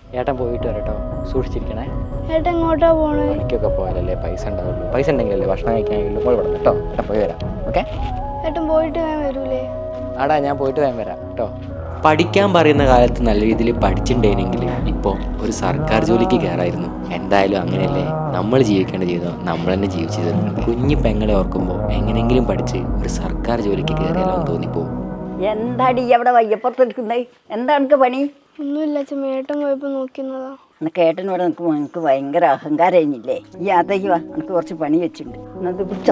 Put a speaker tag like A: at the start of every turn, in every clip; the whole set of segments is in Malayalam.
A: ഏട്ടൻ പോയിട്ട് വരട്ടോ, സൂക്ഷിച്ചിരിക്കണേ.
B: ഏട്ടൻ എങ്ങോട്ടാ പോണേ?
A: പണിക്കൊക്കെ പോയാലല്ലേ പൈസ ഉണ്ടാവുള്ളൂ. പൈസ ഉണ്ടെങ്കിലല്ലേ ഭക്ഷണം കഴിക്കാനെങ്കിലും മോൾ വിടണം കേട്ടോ. ഏട്ടൻ പോയി വരാം. ഓക്കെ?
B: ഏട്ടൻ പോയിട്ട് ഞാൻ വരൂലേ?
A: ആടാ, ഞാൻ പോയിട്ട് വേഗം വരാം കേട്ടോ. പഠിക്കാൻ പറയുന്ന കാലത്ത് നല്ല രീതിയിൽ പഠിച്ചിട്ടുണ്ടെങ്കിൽ ഇപ്പോൾ ഒരു സർക്കാർ ജോലിക്ക് കയറായിരുന്നു. എന്തായാലും അങ്ങനെയല്ലേ നമ്മൾ ജീവിക്കേണ്ട ജീവിതം നമ്മൾ തന്നെ ജീവിച്ചു തരുന്നുണ്ട്. കുഞ്ഞു പെങ്ങളെ ഓർക്കുമ്പോൾ എങ്ങനെയെങ്കിലും പഠിച്ച് ഒരു സർക്കാർ ജോലിക്ക് കയറിയാലോ എന്ന് തോന്നിപ്പോവും.
C: എന്താടി അവിടെ വയ്യപ്പുറത്തെടുക്കുന്നത്? എന്താ എനിക്ക് പണി?
B: ഒന്നുമില്ല അച്ഛമ്മ, ഏട്ടൻ പോയപ്പോൾ നോക്കുന്നതാ.
C: എനിക്ക് ഏട്ടനോട് നിൽക്കുമ്പോൾ എനിക്ക് ഭയങ്കര അഹങ്കാരം കഴിഞ്ഞില്ലേ? ഈ അതയ്ക്ക് വാ, എനിക്ക് കുറച്ച് പണി വെച്ചിട്ടുണ്ട്. എന്നത് പിടിച്ചോ,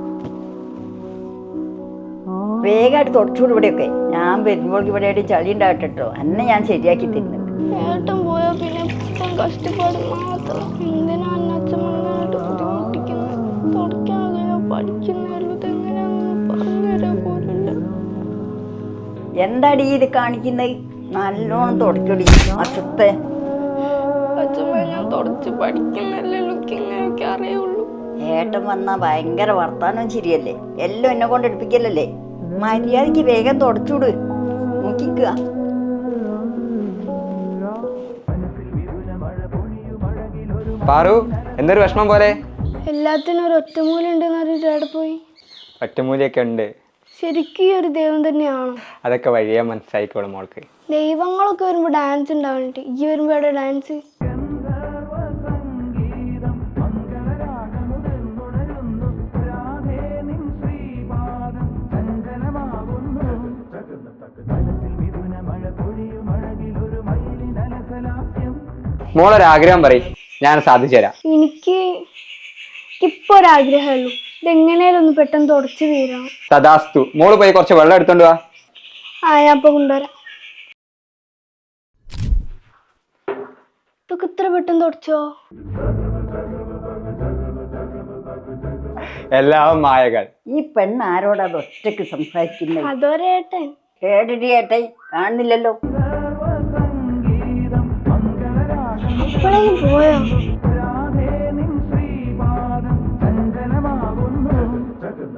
C: വേഗമായിട്ട് തുടച്ചുകൂടി ഇവിടെയൊക്കെ. ഞാൻ വരുമ്പോൾ ഇവിടെ ആയിട്ട് ചളി ഉണ്ടാകട്ടോ, എന്നെ ഞാൻ ശരിയാക്കി തരുന്നുണ്ട്.
B: ഏട്ടൻ പോയാ പിന്നെ ഇപ്പം കഷ്ടപ്പാട് മാത്രം. എന്തിനാണ് അച്ഛമ്മനായിട്ട് ബുദ്ധിമുട്ടിക്കുന്നത്? തുടക്കാകെയോ പഠിക്കുന്നല്ലോ, ഇതെങ്ങനെയാണെന്ന് പറഞ്ഞുതരാൻ പോലുണ്ട്.
C: എന്താടി ഇത് കാണിക്കുന്നത്? നല്ലോണം തുടക്കടി അസത്തെ.
B: അച്ഛമ്മ, ഞാൻ തുടച്ച് പഠിക്കുന്നല്ലേ, ഇങ്ങനെയൊക്കെ അറിയുള്ളൂ.
C: ഏട്ടൻ വന്നാൽ ഭയങ്കര വർത്താനം ശരിയല്ലേ? എല്ലാം എന്നെ കൊണ്ട് എടുപ്പിക്കലല്ലേ? മര്യാദക്ക് വേഗം തുടച്ചൂട്, നോക്കിക്കുക.
D: പാറു, എന്തൊരു വിഷമം പോലെ?
B: എല്ലാത്തിനും ഒരു ഒറ്റമൂലുണ്ടെന്ന് അറിയിട്ട് എവിടെ പോയി?
D: ഒറ്റമൂലിയൊക്കെ ഉണ്ട്.
B: ശരിക്കും ഈ ഒരു ദൈവം തന്നെയാണോ?
D: അതൊക്കെ വഴിയാ മനസ്സിലായിക്കോളും മോൾക്ക്.
B: ദൈവങ്ങളൊക്കെ വരുമ്പോ ഡാൻസ് ഉണ്ടാവണിട്ട്, ഈ വരുമ്പോ എവിടെ ഡാൻസ്?
D: മോളൊരാഗ്രഹം പറയും, ഞാൻ സാധിച്ചു തരാം.
B: എനിക്ക് ഇപ്പൊ ഒരാഗ്രഹമുള്ളൂ, ഇതെങ്ങനെയാലും ഒന്ന് പെട്ടെന്ന് തുടച്ചു തീരണം.
D: തഥാസ്തു. മോള് പോയി കുറച്ച് വെള്ളം എടുത്തോണ്ട് വാ.
B: ഞാൻ ഇപ്പൊ കൊണ്ടുവരാം. ഇതൊക്കെ ഇത്ര പെട്ടെന്ന് തുടച്ചോ?
D: എല്ലാം മായകൾ.
C: ഈ പെണ്ണ് ആരോടാ അത് ഒറ്റക്ക് സംസാരിക്കുന്നത്?
B: അതോരേട്ടൻ.
C: ഏടടി ഏട്ടൻ കാണുന്നില്ലല്ലോ.
B: എപ്പോഴേലും പോയോ?